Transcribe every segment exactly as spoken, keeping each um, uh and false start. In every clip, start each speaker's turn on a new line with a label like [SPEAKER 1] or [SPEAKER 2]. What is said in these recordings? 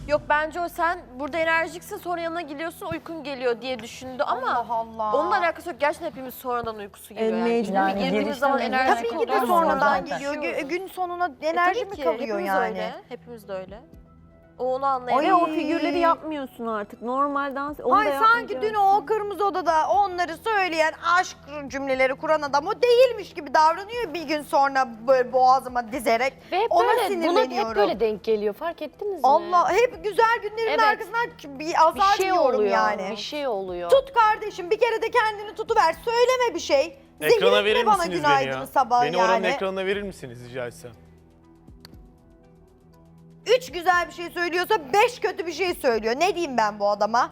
[SPEAKER 1] Yok bence o sen burada enerjiksin sonra yanına gidiyorsun uykun geliyor diye düşündü ama
[SPEAKER 2] Allah Allah.
[SPEAKER 1] onunla alakası yok. Gerçekten hepimiz sonradan uykusu geliyor
[SPEAKER 3] E,
[SPEAKER 1] yani.
[SPEAKER 3] mecbur.
[SPEAKER 1] Yani
[SPEAKER 3] Yani
[SPEAKER 1] girdiğimiz
[SPEAKER 3] girişte
[SPEAKER 1] zaman
[SPEAKER 3] mecbur.
[SPEAKER 1] enerjik
[SPEAKER 2] Tabii ki de
[SPEAKER 1] oluyoruz.
[SPEAKER 2] sonradan
[SPEAKER 1] Zaten.
[SPEAKER 2] geliyor. Gü- Gün sonuna
[SPEAKER 1] E,
[SPEAKER 2] enerji
[SPEAKER 1] tabii
[SPEAKER 2] mi
[SPEAKER 1] ki,
[SPEAKER 2] kalıyor
[SPEAKER 1] hepimiz
[SPEAKER 2] yani?
[SPEAKER 1] Öyle, hepimiz de öyle. O onu
[SPEAKER 3] Ve
[SPEAKER 1] anlayamıyor.
[SPEAKER 3] o figürleri yapmıyorsun artık. Normal dans. Onu
[SPEAKER 2] Ay
[SPEAKER 3] da
[SPEAKER 2] sanki
[SPEAKER 3] yapmayacaksın.
[SPEAKER 2] dün o kırmızı odada onları söyleyen aşk cümleleri kuran adam o değilmiş gibi davranıyor bir gün sonra böyle boğazıma dizerek.
[SPEAKER 4] Ve hep
[SPEAKER 2] Ona
[SPEAKER 4] böyle, buna
[SPEAKER 2] sinirleniyorum.
[SPEAKER 4] hep böyle denk geliyor. Fark ettiniz mi?
[SPEAKER 2] Allah hep güzel günlerimin
[SPEAKER 4] Evet.
[SPEAKER 2] arkasından bir azar
[SPEAKER 4] bir şey
[SPEAKER 2] yiyorum
[SPEAKER 4] oluyor.
[SPEAKER 2] yani.
[SPEAKER 4] Bir şey oluyor.
[SPEAKER 2] Tut kardeşim bir kere de kendini tutuver. Söyleme bir şey.
[SPEAKER 5] Ekrana
[SPEAKER 2] Zehirletme
[SPEAKER 5] verir
[SPEAKER 2] bana
[SPEAKER 5] misiniz beni
[SPEAKER 2] günaydın
[SPEAKER 5] ya?
[SPEAKER 2] sabah
[SPEAKER 5] Beni oranın
[SPEAKER 2] yani.
[SPEAKER 5] ekranına verir misiniz rica etsem?
[SPEAKER 2] Üç güzel bir şey söylüyorsa beş kötü bir şey söylüyor. Ne diyeyim ben bu adama?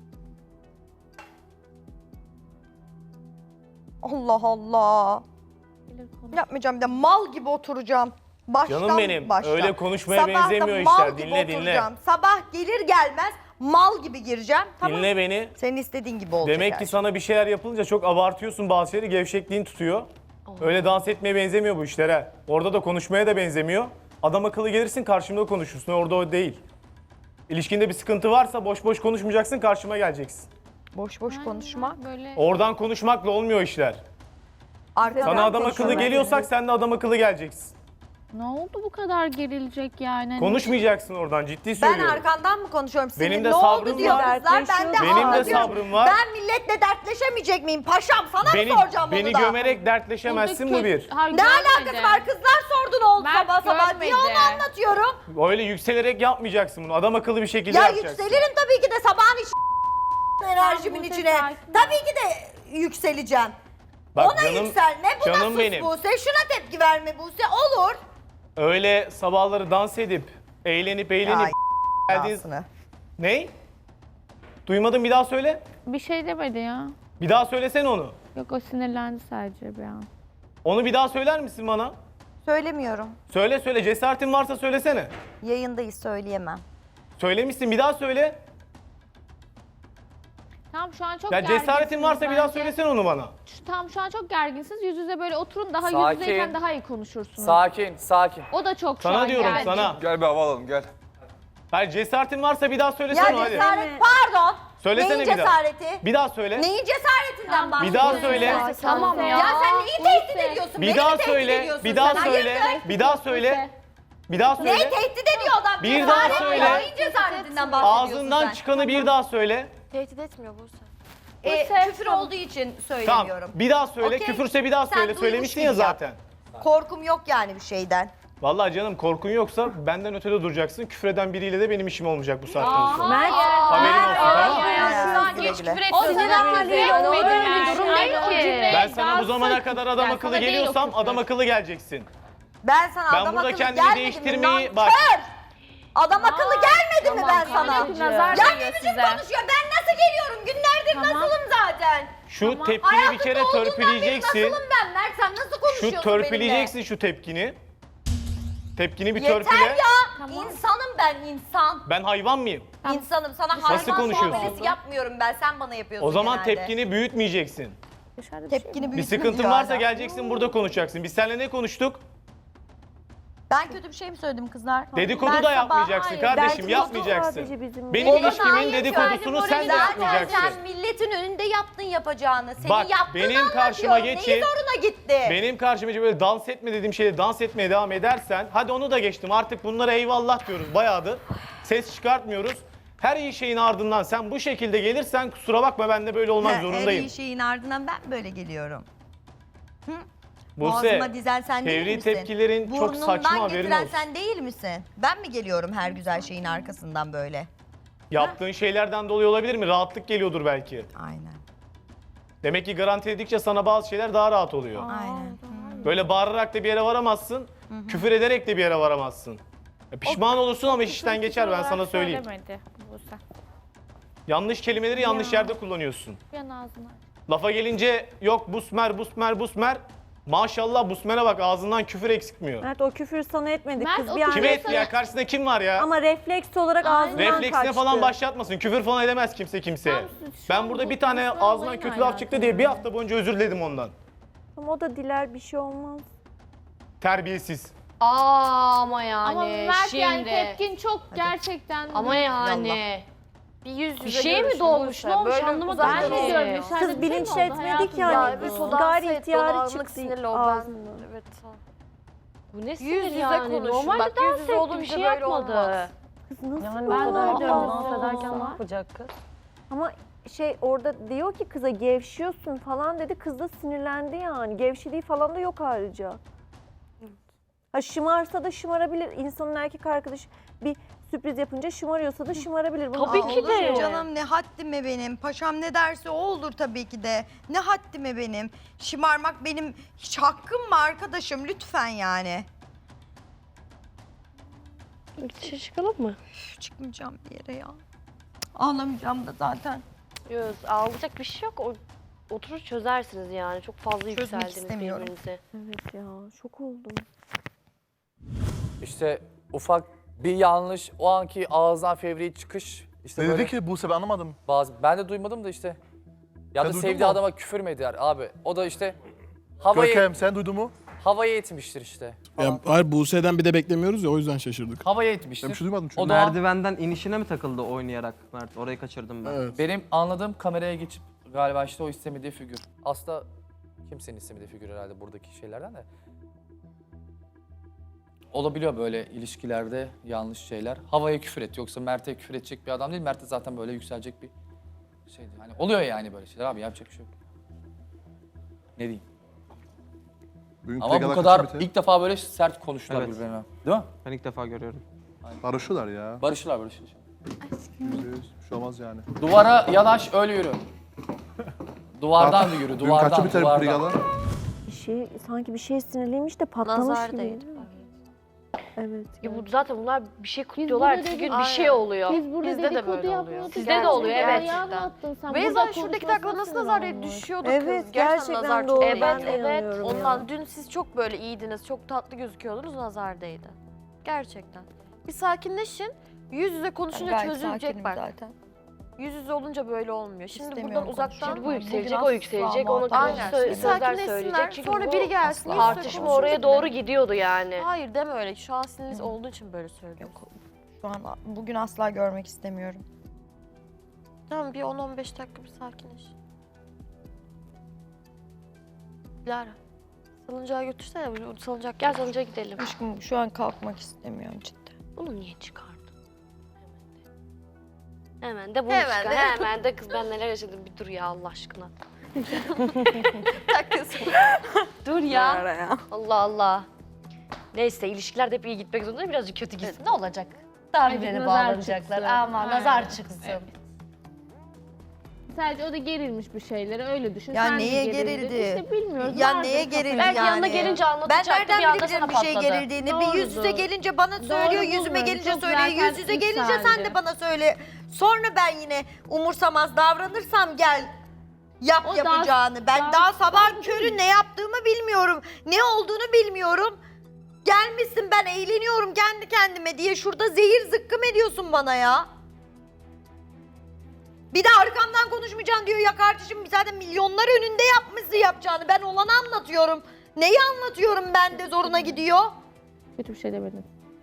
[SPEAKER 2] Allah Allah. Yapmayacağım bir de mal gibi oturacağım. Baştan
[SPEAKER 5] Canım benim,
[SPEAKER 2] baştan.
[SPEAKER 5] öyle konuşmaya
[SPEAKER 2] Sabah da
[SPEAKER 5] benzemiyor
[SPEAKER 2] mal
[SPEAKER 5] işler.
[SPEAKER 2] gibi
[SPEAKER 5] Dinle, dinle.
[SPEAKER 2] oturacağım. Sabah gelir gelmez mal gibi gireceğim. Tamam.
[SPEAKER 5] Dinle beni.
[SPEAKER 2] Senin istediğin gibi olacak.
[SPEAKER 5] Demek
[SPEAKER 2] her
[SPEAKER 5] ki
[SPEAKER 2] şey.
[SPEAKER 5] sana bir şeyler yapılınca çok abartıyorsun bazı şeyleri, gevşekliğin tutuyor. Öyle dans etmeye benzemiyor bu işlere. Orada da konuşmaya da benzemiyor. Adam akıllı gelirsin karşımda konuşursun. Orada o değil. İlişkinde bir sıkıntı varsa boş boş konuşmayacaksın, karşıma geleceksin.
[SPEAKER 2] Boş boş konuşma.
[SPEAKER 6] Böyle
[SPEAKER 5] Oradan konuşmakla olmuyor işler.
[SPEAKER 2] Arkadan
[SPEAKER 5] Sana adam akıllı
[SPEAKER 2] konuşma.
[SPEAKER 5] geliyorsak sen de adam akıllı geleceksin.
[SPEAKER 6] ne oldu bu kadar gerilecek yani? Hani
[SPEAKER 5] Konuşmayacaksın oradan, ciddi
[SPEAKER 2] Ben
[SPEAKER 5] söylüyorum.
[SPEAKER 2] arkandan mı konuşuyorum? Senin
[SPEAKER 5] Benim de
[SPEAKER 2] ne
[SPEAKER 5] sabrım
[SPEAKER 2] oldu diyor
[SPEAKER 5] var.
[SPEAKER 2] kızlar. Ben de
[SPEAKER 5] Benim de
[SPEAKER 2] anlatıyorum.
[SPEAKER 5] sabrım var.
[SPEAKER 2] Ben milletle dertleşemeyecek miyim? Paşam sana
[SPEAKER 5] Beni,
[SPEAKER 2] mı soracağım
[SPEAKER 5] beni
[SPEAKER 2] onu da?
[SPEAKER 5] gömerek dertleşemezsin bu bir.
[SPEAKER 6] Hayır,
[SPEAKER 2] Ne
[SPEAKER 6] görmedi.
[SPEAKER 2] alakası var? Kızlar sordu ne oldu
[SPEAKER 6] Mert
[SPEAKER 2] sabah sabah diye onu
[SPEAKER 6] görmedi.
[SPEAKER 2] anlatıyorum.
[SPEAKER 5] Öyle yükselerek yapmayacaksın bunu. Adam akıllı bir şekilde
[SPEAKER 2] Ya
[SPEAKER 5] yapacaksın.
[SPEAKER 2] yükselirim tabii ki de sabahın iç enerjimin
[SPEAKER 6] Buse,
[SPEAKER 2] içine.
[SPEAKER 6] sakin ol.
[SPEAKER 2] Tabii ki de yükseleceğim.
[SPEAKER 5] Bak
[SPEAKER 2] Ona
[SPEAKER 5] canım,
[SPEAKER 2] yükselme, buna
[SPEAKER 5] canım
[SPEAKER 2] sus
[SPEAKER 5] benim.
[SPEAKER 2] Buse, şuna tepki verme Buse, olur.
[SPEAKER 5] Öyle sabahları dans edip, eğlenip eğlenip
[SPEAKER 2] Ay,
[SPEAKER 5] geldiğiniz...
[SPEAKER 2] Aslında.
[SPEAKER 5] Ney? Duymadım, bir daha söyle.
[SPEAKER 6] Bir şey demedi ya.
[SPEAKER 5] Bir daha söylesene onu.
[SPEAKER 6] Yok o sinirlendi sadece bir an.
[SPEAKER 5] Onu bir daha söyler misin bana?
[SPEAKER 2] Söylemiyorum.
[SPEAKER 5] Söyle söyle, cesaretin varsa söylesene.
[SPEAKER 2] Yayındayız, söyleyemem.
[SPEAKER 5] Söylemişsin, bir daha söyle.
[SPEAKER 6] Tamam şu an çok
[SPEAKER 5] Ya
[SPEAKER 6] gerginsiniz
[SPEAKER 5] cesaretin varsa bir daha
[SPEAKER 6] bence.
[SPEAKER 5] söylesene onu bana.
[SPEAKER 6] Şu- Tamam şu an çok gerginsiniz. Yüz yüze böyle oturun daha
[SPEAKER 7] Sakin.
[SPEAKER 6] yüz yüzeyken daha iyi konuşursunuz.
[SPEAKER 7] Sakin, sakin.
[SPEAKER 6] O da çok şu
[SPEAKER 5] Sana
[SPEAKER 6] an
[SPEAKER 5] diyorum,
[SPEAKER 6] gergin.
[SPEAKER 5] sana.
[SPEAKER 7] Gel bir hava alalım, gel.
[SPEAKER 5] Hayır, cesaretin varsa bir daha
[SPEAKER 2] Ya
[SPEAKER 5] söylesene hadi.
[SPEAKER 2] cesaret, pardon.
[SPEAKER 5] Söylesene
[SPEAKER 2] Neyin
[SPEAKER 5] bir daha.
[SPEAKER 2] cesareti?
[SPEAKER 5] Bir daha söyle.
[SPEAKER 2] Neyin cesaretinden
[SPEAKER 6] Tamam,
[SPEAKER 2] bahsediyorsun?
[SPEAKER 5] Bir daha söyle.
[SPEAKER 6] Ya, tamam ya.
[SPEAKER 2] Ya sen neyi tehdit
[SPEAKER 6] Buse.
[SPEAKER 2] ediyorsun?
[SPEAKER 5] Bir
[SPEAKER 2] Beni
[SPEAKER 5] daha
[SPEAKER 2] mi tehdit
[SPEAKER 5] söyle.
[SPEAKER 2] ediyorsun
[SPEAKER 5] Bir daha
[SPEAKER 2] sen?
[SPEAKER 5] söyle.
[SPEAKER 2] Hayırdır?
[SPEAKER 5] Bir daha söyle. Bir daha söyle.
[SPEAKER 2] Neyi tehdit ediyor adam?
[SPEAKER 5] Bir
[SPEAKER 2] Cesaret
[SPEAKER 5] daha
[SPEAKER 2] mi
[SPEAKER 5] söyle.
[SPEAKER 2] ya? Neyin cesaretinden bahsediyorsun
[SPEAKER 5] Ağzından
[SPEAKER 2] sen?
[SPEAKER 5] çıkanı bir daha söyle.
[SPEAKER 1] Tehdit etmiyor Buse.
[SPEAKER 2] E,
[SPEAKER 6] Buse,
[SPEAKER 2] küfür
[SPEAKER 6] tamam.
[SPEAKER 2] olduğu için
[SPEAKER 5] Tamam.
[SPEAKER 2] söylemiyorum.
[SPEAKER 5] Bir daha söyle.
[SPEAKER 2] Okey.
[SPEAKER 5] Küfürse bir daha
[SPEAKER 2] Sen
[SPEAKER 5] söyle.
[SPEAKER 2] duymuş
[SPEAKER 5] Söylemiştin ya
[SPEAKER 2] gibi yap.
[SPEAKER 5] zaten.
[SPEAKER 2] Korkum yok yani bir şeyden.
[SPEAKER 5] Vallahi canım, korkun yoksa benden ötede duracaksın. Küfreden biriyle de benim işim olmayacak bu saatten sonra.
[SPEAKER 3] Mert,
[SPEAKER 5] Haberin olsun, tamam mı?
[SPEAKER 2] Ya,
[SPEAKER 4] Güle
[SPEAKER 2] güle güle.
[SPEAKER 6] O sinir haliyle
[SPEAKER 4] Öyle
[SPEAKER 6] öyle
[SPEAKER 4] bir
[SPEAKER 6] bir
[SPEAKER 4] durum
[SPEAKER 6] durum
[SPEAKER 4] değil
[SPEAKER 6] değil
[SPEAKER 4] ki.
[SPEAKER 5] Ben sana bu zamana kadar adam
[SPEAKER 6] Yani
[SPEAKER 5] akıllı
[SPEAKER 6] sana değil o
[SPEAKER 5] geliyorsam
[SPEAKER 6] küfür.
[SPEAKER 5] adam akıllı geleceksin.
[SPEAKER 2] Ben sana
[SPEAKER 5] Ben
[SPEAKER 2] adam
[SPEAKER 5] burada
[SPEAKER 2] akıllı
[SPEAKER 5] kendimi
[SPEAKER 2] gelmedim mi?
[SPEAKER 5] değiştirmeyi-
[SPEAKER 2] Nankör!
[SPEAKER 5] bak.
[SPEAKER 2] Adam akıllı gelmedim mi ben sana?
[SPEAKER 6] Nazar
[SPEAKER 2] Ya
[SPEAKER 6] değiyor
[SPEAKER 2] ne biçim
[SPEAKER 6] size.
[SPEAKER 2] konuşuyor? Ben nasıl geliyorum? Günlerdir
[SPEAKER 6] Tamam.
[SPEAKER 2] nasılım zaten?
[SPEAKER 5] Şu tepkini bir
[SPEAKER 2] Hayatımda
[SPEAKER 5] kere
[SPEAKER 2] olduğundan beri
[SPEAKER 5] törpüleyeceksin.
[SPEAKER 2] nasılım ben Mert? Sen nasıl konuşuyorsun
[SPEAKER 5] Şu törpüleyeceksin şu tepkini. Tepkini bir
[SPEAKER 2] benimle?
[SPEAKER 5] törpüle.
[SPEAKER 2] Yeter ya! İnsanım ben insan.
[SPEAKER 5] Ben hayvan mıyım?
[SPEAKER 2] İnsanım. Sana
[SPEAKER 5] Nasıl
[SPEAKER 2] hayvan
[SPEAKER 5] konuşuyorsun?
[SPEAKER 2] muamelesi yapmıyorum ben. Sen bana yapıyorsun
[SPEAKER 5] O zaman
[SPEAKER 2] genelde.
[SPEAKER 5] tepkini büyütmeyeceksin.
[SPEAKER 2] Tepkini
[SPEAKER 5] Bir
[SPEAKER 2] büyütme
[SPEAKER 5] sıkıntın
[SPEAKER 2] diyor
[SPEAKER 5] varsa
[SPEAKER 2] hala.
[SPEAKER 5] geleceksin, burada konuşacaksın. Biz seninle ne konuştuk?
[SPEAKER 2] Ben kötü bir şey mi söyledim kızlar?
[SPEAKER 5] Dedikodu
[SPEAKER 2] Ben
[SPEAKER 5] da
[SPEAKER 2] sabah-
[SPEAKER 5] yapmayacaksın
[SPEAKER 2] Hayır,
[SPEAKER 5] kardeşim,
[SPEAKER 2] dedikodu
[SPEAKER 5] yapmayacaksın.
[SPEAKER 3] sadece bizim-
[SPEAKER 5] Benim
[SPEAKER 2] Ona
[SPEAKER 5] ilişkimin
[SPEAKER 2] dair
[SPEAKER 5] dedikodusunu
[SPEAKER 2] sadece
[SPEAKER 5] sen de
[SPEAKER 2] morali
[SPEAKER 5] yapmayacaksın.
[SPEAKER 2] zaten sen milletin önünde yaptın yapacağını. Senin
[SPEAKER 5] Bak,
[SPEAKER 2] yaptığını
[SPEAKER 5] benim karşıma
[SPEAKER 2] anlatıyorum.
[SPEAKER 5] geçip-
[SPEAKER 2] Neyi zoruna gitti?
[SPEAKER 5] Benim karşıma böyle dans etme dediğim şeyde dans etmeye devam edersen, hadi onu da geçtim, artık bunlara eyvallah diyoruz bayağıdır. Ses çıkartmıyoruz. Her iyi şeyin ardından sen bu şekilde gelirsen kusura bakma, ben de böyle olmak
[SPEAKER 2] Her
[SPEAKER 5] zorundayım.
[SPEAKER 2] iyi şeyin ardından ben böyle geliyorum.
[SPEAKER 5] Buse,
[SPEAKER 2] Boğazıma dizen sen değil
[SPEAKER 5] fevri
[SPEAKER 2] misin?
[SPEAKER 5] tepkilerin çok
[SPEAKER 2] Burnumdan
[SPEAKER 5] saçma, haberin
[SPEAKER 2] getiren
[SPEAKER 5] olsun.
[SPEAKER 2] sen değil misin? Ben mi geliyorum her güzel şeyin arkasından böyle?
[SPEAKER 5] Yaptığın şeylerden dolayı olabilir mi? Rahatlık geliyordur belki.
[SPEAKER 2] Aynen.
[SPEAKER 5] Demek ki garanti edikçe sana bazı şeyler daha rahat oluyor.
[SPEAKER 2] Aynen.
[SPEAKER 5] Böyle bağırarak da bir yere varamazsın, küfür ederek de bir yere varamazsın. Ya pişman olursun ama iş işten geçer, ben sana söyleyeyim.
[SPEAKER 6] Söylemedi Buse.
[SPEAKER 5] Yanlış kelimeleri yanlış yerde kullanıyorsun.
[SPEAKER 6] Bir an ağzına.
[SPEAKER 5] Lafa gelince yok busmer busmer busmer. Maşallah busmere bak, ağzından küfür eksikmiyor.
[SPEAKER 3] Mert o küfür sana etmedi.
[SPEAKER 6] Mert,
[SPEAKER 3] Kız
[SPEAKER 6] o
[SPEAKER 3] bir an
[SPEAKER 5] Kime
[SPEAKER 6] küfür-
[SPEAKER 5] etti ya? Karşısında kim var ya?
[SPEAKER 3] ama refleks olarak ağzından
[SPEAKER 5] Refleksine
[SPEAKER 3] kaçtı.
[SPEAKER 5] falan başlatmasın. Küfür falan edemez kimse kimseye.
[SPEAKER 6] Tamam, şu
[SPEAKER 5] Ben
[SPEAKER 6] an
[SPEAKER 5] burada
[SPEAKER 6] bu
[SPEAKER 5] bir tane
[SPEAKER 6] konuşma
[SPEAKER 5] ağzından
[SPEAKER 6] olayın
[SPEAKER 5] kötü laf çıktı
[SPEAKER 6] alakalı.
[SPEAKER 5] diye bir hafta boyunca özür diledim ondan.
[SPEAKER 3] Ama o da diler, bir şey olmaz.
[SPEAKER 5] Terbiyesiz.
[SPEAKER 4] Aa, ama yani
[SPEAKER 6] Ama Mert
[SPEAKER 4] şimdi.
[SPEAKER 6] yani tepkin çok gerçekten.
[SPEAKER 4] Ama yani.
[SPEAKER 1] Bir yüz yüze
[SPEAKER 4] Bir şey mi
[SPEAKER 1] görüşün
[SPEAKER 4] doğmuş,
[SPEAKER 1] Buse.
[SPEAKER 4] ne olmuş
[SPEAKER 1] Böyle
[SPEAKER 4] anlamadım
[SPEAKER 1] uzaktan
[SPEAKER 6] Ben de
[SPEAKER 4] ki.
[SPEAKER 6] diyorum dışarıda
[SPEAKER 3] Kız
[SPEAKER 6] bir şey mi oldu
[SPEAKER 3] bilinçlenmedi
[SPEAKER 6] hayatım?
[SPEAKER 3] ki yani.
[SPEAKER 1] Ya evet o dans
[SPEAKER 3] Gayri
[SPEAKER 1] etti,
[SPEAKER 3] ihtiyari
[SPEAKER 1] o anlık
[SPEAKER 3] çıktı
[SPEAKER 1] sinirli o ben.
[SPEAKER 3] ağzından.
[SPEAKER 1] Evet.
[SPEAKER 4] Bu ne
[SPEAKER 1] Yüz
[SPEAKER 4] sinir
[SPEAKER 1] yüze
[SPEAKER 4] yani?
[SPEAKER 1] konuşun.
[SPEAKER 4] Normalde
[SPEAKER 1] Bak, yüz
[SPEAKER 4] dans
[SPEAKER 1] yüze
[SPEAKER 4] etti,
[SPEAKER 1] olunca
[SPEAKER 4] bir şey
[SPEAKER 1] böyle
[SPEAKER 4] yapmadı.
[SPEAKER 1] olmaz.
[SPEAKER 3] Kız nasıl
[SPEAKER 7] Yani
[SPEAKER 3] ben
[SPEAKER 7] ben de
[SPEAKER 3] de
[SPEAKER 7] dans ederken ne yapacak kız?
[SPEAKER 3] Ama şey orada diyor ki kıza gevşiyorsun falan dedi. Kız da sinirlendi yani. Gevşediği falan da yok ayrıca. Ha şımarsa da şımarabilir. İnsanın erkek arkadaşı bir sürpriz yapınca şımarıyorsa da şımarabilir. Bunu
[SPEAKER 4] Tabii ki
[SPEAKER 2] Olur
[SPEAKER 4] de.
[SPEAKER 2] canım, ne haddime benim. Paşam ne derse o olur tabii ki de. Ne haddime benim. Şımarmak benim hiç hakkım mı arkadaşım, lütfen yani.
[SPEAKER 4] Dışarı çıkalım mı?
[SPEAKER 2] Üf, çıkmayacağım bir yere ya. Ağlamayacağım da zaten.
[SPEAKER 4] Yok, ağlayacak bir şey yok. O, oturur çözersiniz yani. Çok fazla
[SPEAKER 2] Çözmek
[SPEAKER 4] yükseldiniz
[SPEAKER 2] istemiyorum.
[SPEAKER 4] birbirinize.
[SPEAKER 3] Evet ya şok oldum.
[SPEAKER 8] İşte ufak bir yanlış, o anki ağızdan fevri çıkış. İşte
[SPEAKER 9] Ne
[SPEAKER 8] böyle
[SPEAKER 9] dedi ki Buse, ben anlamadım.
[SPEAKER 8] bazı, ben de duymadım da işte. Ya
[SPEAKER 9] Sen
[SPEAKER 8] da
[SPEAKER 9] duydun
[SPEAKER 8] sevdiği
[SPEAKER 9] mu?
[SPEAKER 8] adama küfür mü eder abi? O da işte havayı,
[SPEAKER 9] Görkem sen duydun mu?
[SPEAKER 8] havayı etmiştir işte. falan.
[SPEAKER 10] Ya, hayır Buse'den bir de beklemiyoruz ya o yüzden şaşırdık.
[SPEAKER 8] Havayı
[SPEAKER 9] Ben bir
[SPEAKER 8] etmiştir.
[SPEAKER 9] şey duymadım çünkü.
[SPEAKER 8] O da o an-
[SPEAKER 11] Merdivenden inişine mi takıldı oynayarak Mert? Orayı kaçırdım ben.
[SPEAKER 10] Evet.
[SPEAKER 8] benim anladığım kameraya geçip galiba işte o istemediği figür. Aslında kimsenin istemediği figür herhalde buradaki şeylerden de. Olabiliyor böyle ilişkilerde yanlış şeyler. Havaya küfür et. Yoksa Mert'e küfür edecek bir adam değil. Mert de zaten böyle yükselecek bir şeydi. Hani oluyor yani böyle şeyler abi, yapacak bir şey yok. Ne diyeyim?
[SPEAKER 9] Bugün
[SPEAKER 8] Ama bu
[SPEAKER 9] Kregalak
[SPEAKER 8] kadar
[SPEAKER 9] kaçı bitti?
[SPEAKER 8] ilk defa böyle sert konuştular
[SPEAKER 11] Evet.
[SPEAKER 8] birbirine. Değil mi?
[SPEAKER 11] Ben ilk defa görüyorum.
[SPEAKER 9] Barışıyorlar ya.
[SPEAKER 8] Barışırlar barışırlar.
[SPEAKER 9] Yüzde yüz. Bir şey olmaz yani.
[SPEAKER 8] Duvara yanaş öyle yürü. Duvardan da yürü,
[SPEAKER 9] Bugün
[SPEAKER 8] duvardan,
[SPEAKER 9] kaçı biter bu
[SPEAKER 8] duvardan.
[SPEAKER 9] Kregalak?
[SPEAKER 3] Bir şey sanki bir şey sinirliymiş de patlamış
[SPEAKER 1] Nazar
[SPEAKER 3] gibi.
[SPEAKER 1] değdi.
[SPEAKER 3] Evet.
[SPEAKER 4] Ya bu zaten bunlar bir şey kutluyorlar.
[SPEAKER 6] burada
[SPEAKER 4] Bir
[SPEAKER 6] dedik-
[SPEAKER 4] gün bir şey oluyor.
[SPEAKER 6] Biz burada
[SPEAKER 1] Bizde de
[SPEAKER 6] dedikodu
[SPEAKER 1] böyle oluyor.
[SPEAKER 6] yapmıyorduk.
[SPEAKER 4] Sizde de oluyor,
[SPEAKER 6] Gerçekten.
[SPEAKER 4] evet.
[SPEAKER 6] Ya anlattın sen.
[SPEAKER 1] Beyza
[SPEAKER 6] Burada
[SPEAKER 1] şuradaki
[SPEAKER 6] konuşmasına
[SPEAKER 1] dakika nasıl
[SPEAKER 6] sinir
[SPEAKER 1] nazar
[SPEAKER 6] olmuş.
[SPEAKER 1] düşüyordu
[SPEAKER 3] Evet
[SPEAKER 1] kız.
[SPEAKER 3] gerçekten,
[SPEAKER 1] nazar
[SPEAKER 3] doğru.
[SPEAKER 1] değdi.
[SPEAKER 3] Ben de
[SPEAKER 4] Evet, evet.
[SPEAKER 3] inanıyorum
[SPEAKER 1] Ondan
[SPEAKER 3] ya.
[SPEAKER 1] dün siz çok böyle iyiydiniz, çok tatlı gözüküyordunuz, nazar değdi. Gerçekten. Bir sakinleşin, yüz yüze konuşunca çözülecek bak.
[SPEAKER 2] Zaten.
[SPEAKER 1] Yüz yüze olunca böyle olmuyor. Şimdi
[SPEAKER 2] İstemiyorum
[SPEAKER 1] buradan uzaktan...
[SPEAKER 4] Şimdi bu yükselecek,
[SPEAKER 2] Bugün
[SPEAKER 4] o yükselecek.
[SPEAKER 2] asla
[SPEAKER 4] Ona
[SPEAKER 2] muhatap
[SPEAKER 4] karşı
[SPEAKER 1] Aynen.
[SPEAKER 4] sö-
[SPEAKER 1] Bir
[SPEAKER 4] sözler
[SPEAKER 1] sakinleşsinler,
[SPEAKER 4] söyleyecek. Çünkü
[SPEAKER 1] sonra
[SPEAKER 4] bu
[SPEAKER 1] biri gelsin. yüz yüze
[SPEAKER 4] tartışma
[SPEAKER 1] konuşun
[SPEAKER 4] oraya
[SPEAKER 1] gibi.
[SPEAKER 4] doğru gidiyordu yani.
[SPEAKER 1] Hayır deme öyle. Şu an siniriniz olduğu için böyle söylüyorum.
[SPEAKER 2] Yok, şu an bugün asla görmek istemiyorum.
[SPEAKER 1] Tamam bir on on beş dakika bir sakinleş. Lara. Salıncağa götürsene. Bu salıncak
[SPEAKER 4] Gel salıncağa gidelim.
[SPEAKER 2] Aşkım şu an kalkmak istemiyorum cidden.
[SPEAKER 4] Bunu niye çıkardın? Hemen de bunu
[SPEAKER 1] Hemen
[SPEAKER 4] çıkar.
[SPEAKER 1] de.
[SPEAKER 4] Hemen de kız ben neler yaşadım bir dur ya Allah aşkına. Dur ya. Allah Allah. Neyse ilişkiler de hep iyi gitmek zorunda değil, birazcık kötü gitsin ne olacak? Daha
[SPEAKER 6] Azıcık
[SPEAKER 4] birbirine
[SPEAKER 6] nazar
[SPEAKER 4] bağlanacaklar
[SPEAKER 6] çıksın.
[SPEAKER 4] ama
[SPEAKER 6] Aynen.
[SPEAKER 4] nazar çıksın.
[SPEAKER 6] Sadece o da gerilmiş bir şeylere öyle düşün.
[SPEAKER 2] Ya
[SPEAKER 6] Sen de
[SPEAKER 2] neye
[SPEAKER 6] gerildin.
[SPEAKER 2] gerildi?
[SPEAKER 6] İşte bilmiyoruz.
[SPEAKER 2] Ya
[SPEAKER 6] vardır
[SPEAKER 2] neye
[SPEAKER 6] kafada.
[SPEAKER 2] gerildi
[SPEAKER 4] Belki
[SPEAKER 2] yani?
[SPEAKER 4] yanına gelince
[SPEAKER 2] Ben
[SPEAKER 4] anlatacaktı
[SPEAKER 2] nereden
[SPEAKER 4] bir anda
[SPEAKER 2] bilebilirim
[SPEAKER 4] sana
[SPEAKER 2] bir şey
[SPEAKER 4] patladı.
[SPEAKER 2] gerildiğini? Bir yüz yüze
[SPEAKER 6] Doğrudur.
[SPEAKER 2] gelince bana söylüyor, yüzüme
[SPEAKER 6] bulmuyorum.
[SPEAKER 2] gelince
[SPEAKER 6] Çok
[SPEAKER 2] söylüyor,
[SPEAKER 6] zaten
[SPEAKER 2] yüz yüze gelince sen
[SPEAKER 6] yükseldi.
[SPEAKER 2] de bana söyle. Sonra ben yine umursamaz davranırsam gel yap
[SPEAKER 6] O daha-
[SPEAKER 2] yapacağını. Ben
[SPEAKER 6] daha-
[SPEAKER 2] daha sabah körü ne yaptığımı bilmiyorum. Ne olduğunu bilmiyorum. Gelmişsin ben eğleniyorum kendi kendime diye şurada zehir zıkkım ediyorsun bana ya. Bir de arkamdan konuşmayacaksın diyor ya kardeşim, zaten milyonlar önünde yapmışsın yapacağını. Ben olanı anlatıyorum. Neyi anlatıyorum ben de zoruna gidiyor.
[SPEAKER 6] Kötü bir şey demedim.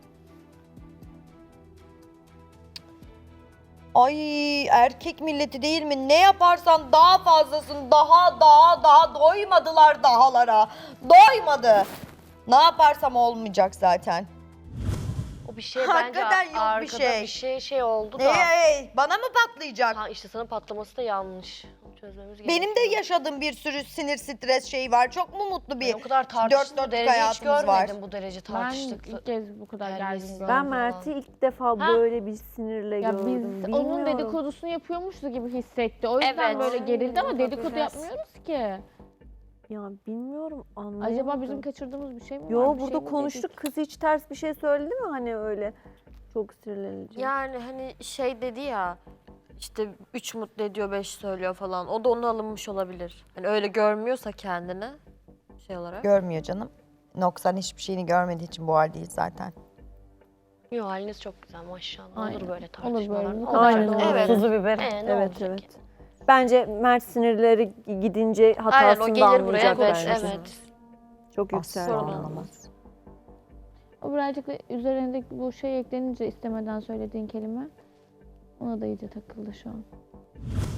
[SPEAKER 2] Ay erkek milleti değil mi? Ne yaparsan daha fazlasın. Daha daha daha doymadılar dahalara. Doymadı. Ne yaparsam olmayacak zaten.
[SPEAKER 4] O bir şey bence
[SPEAKER 2] Hakikaten yok bir
[SPEAKER 4] arkada
[SPEAKER 2] şey.
[SPEAKER 4] bir şey şey oldu da.
[SPEAKER 2] Ne? Bana mı patlayacak?
[SPEAKER 4] Ha işte sana patlaması da yanlış. Onu çözmemiz gerekiyor.
[SPEAKER 2] Benim de yaşadığım bir sürü sinir stres şeyi var. Çok mu mutlu
[SPEAKER 4] Ben
[SPEAKER 2] bir
[SPEAKER 4] o kadar
[SPEAKER 2] dört
[SPEAKER 4] tartıştık
[SPEAKER 2] dörtlük
[SPEAKER 4] derece hiç
[SPEAKER 2] hayatımız var.
[SPEAKER 4] görmedim bu derece
[SPEAKER 6] Ben
[SPEAKER 4] tartıştık.
[SPEAKER 6] ilk kez bu kadar
[SPEAKER 4] Terbiyesiz.
[SPEAKER 6] gergin gördüm.
[SPEAKER 3] Ben Mert'i ilk defa
[SPEAKER 4] Ha.
[SPEAKER 3] böyle bir sinirle
[SPEAKER 6] Ya
[SPEAKER 3] gördüm.
[SPEAKER 6] biz onun
[SPEAKER 3] Bilmiyorum.
[SPEAKER 6] dedikodusunu yapıyormuşuz gibi hissetti. O yüzden
[SPEAKER 4] Evet.
[SPEAKER 6] böyle gerildi ama
[SPEAKER 1] Aynen,
[SPEAKER 6] dedikodu
[SPEAKER 1] biraz.
[SPEAKER 6] yapmıyoruz ki.
[SPEAKER 3] Ya bilmiyorum anlamadım.
[SPEAKER 6] Acaba bizim kaçırdığımız bir şey mi var?
[SPEAKER 3] Yo
[SPEAKER 6] Bir
[SPEAKER 3] burada
[SPEAKER 6] şey mi
[SPEAKER 3] konuştuk.
[SPEAKER 6] dedik?
[SPEAKER 3] Kız hiç ters bir şey söyledi mi hani öyle çok sinirlenince?
[SPEAKER 1] Yani hani şey dedi ya, işte üç mutlu ediyor, beş söylüyor falan. O da ona alınmış olabilir. Hani öyle görmüyorsa kendini şey olarak.
[SPEAKER 2] Görmüyor canım. Noksan hiçbir şeyini görmediği için bu haldeyiz zaten.
[SPEAKER 4] Yok haliniz çok güzel maşallah.
[SPEAKER 6] Aynen.
[SPEAKER 4] Olur böyle
[SPEAKER 6] Olur
[SPEAKER 4] tartışmalar.
[SPEAKER 6] böyle. Bu
[SPEAKER 4] Ne
[SPEAKER 6] kadar
[SPEAKER 3] Aynen
[SPEAKER 6] doğru.
[SPEAKER 3] öyle.
[SPEAKER 1] Evet.
[SPEAKER 7] Tuzu biber.
[SPEAKER 4] Ee, ne
[SPEAKER 3] Evet
[SPEAKER 4] olacak
[SPEAKER 3] evet.
[SPEAKER 4] ki?
[SPEAKER 3] Bence Mert sinirleri gidince
[SPEAKER 1] Aynen
[SPEAKER 3] hatasını
[SPEAKER 1] o
[SPEAKER 3] da
[SPEAKER 1] gelir buraya.
[SPEAKER 3] anlayacak
[SPEAKER 1] Evet,
[SPEAKER 3] bence.
[SPEAKER 1] evet.
[SPEAKER 3] Çok
[SPEAKER 2] Asla
[SPEAKER 3] yükseldi.
[SPEAKER 2] anlamaz.
[SPEAKER 6] O birazcık da üzerindeki bu şey eklenince istemeden söylediğin kelime ona da iyice takıldı şu an.